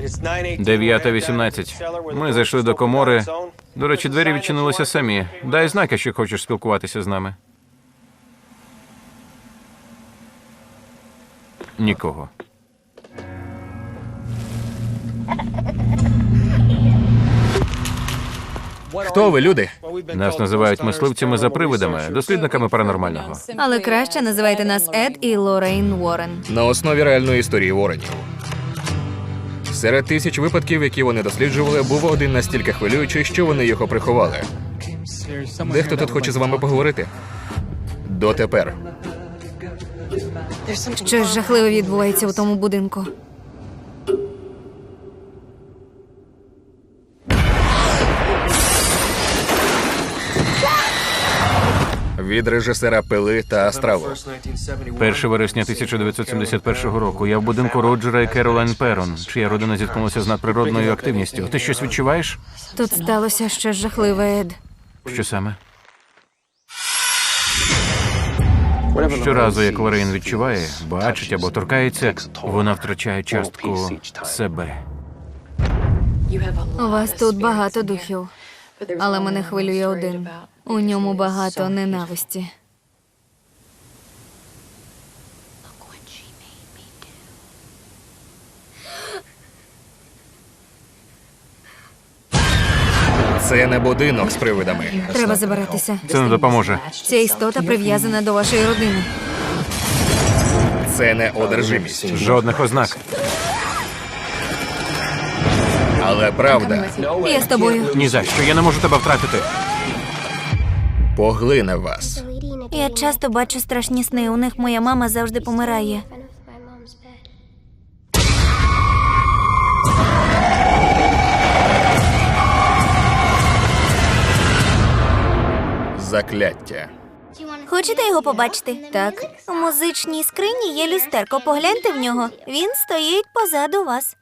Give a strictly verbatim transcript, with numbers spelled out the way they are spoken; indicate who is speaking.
Speaker 1: Дев'ята вісімнадцять. Ми зайшли до комори. До речі, двері відчинилися самі. Дай знак, якщо хочеш спілкуватися з нами. Нікого.
Speaker 2: Хто ви, люди?
Speaker 1: Нас називають мисливцями за привидами, дослідниками паранормального.
Speaker 3: Але краще називайте нас Ед і Лоррейн Уоррен.
Speaker 2: На основі реальної історії Уорренів. Серед тисяч випадків, які вони досліджували, був один настільки хвилюючий, що вони його приховали. Дехто тут хоче з вами поговорити? Дотепер.
Speaker 3: Щось жахливе відбувається у тому будинку.
Speaker 2: Від режисера «Пили» та «Астралу».
Speaker 1: першого вересня тисяча дев'ятсот сімдесят першого року я в будинку Роджера і Керолайн Перон, чия родина зіткнулася з надприродною активністю. Ти щось відчуваєш?
Speaker 3: Тут сталося щось жахливе, Ед.
Speaker 1: Що саме? Щоразу, як Лоррейн відчуває, бачить або торкається, вона втрачає частку себе.
Speaker 3: У вас тут багато духів, але мене хвилює один. У ньому багато ненависті.
Speaker 2: Це не будинок з привидами.
Speaker 3: Треба забиратися.
Speaker 1: Це не допоможе.
Speaker 3: Ця істота прив'язана до вашої родини.
Speaker 2: Це не одержимість.
Speaker 1: Жодних ознак.
Speaker 2: Але правда
Speaker 3: Я з тобою.
Speaker 1: Ні за що, я не можу тебе втратити.
Speaker 2: поглине вас.
Speaker 3: Я часто бачу страшні сни. У них моя мама завжди помирає.
Speaker 2: Закляття.
Speaker 3: Хочете його побачити? Так. У музичній скрині є люстерко. Погляньте в нього. Він стоїть позаду вас.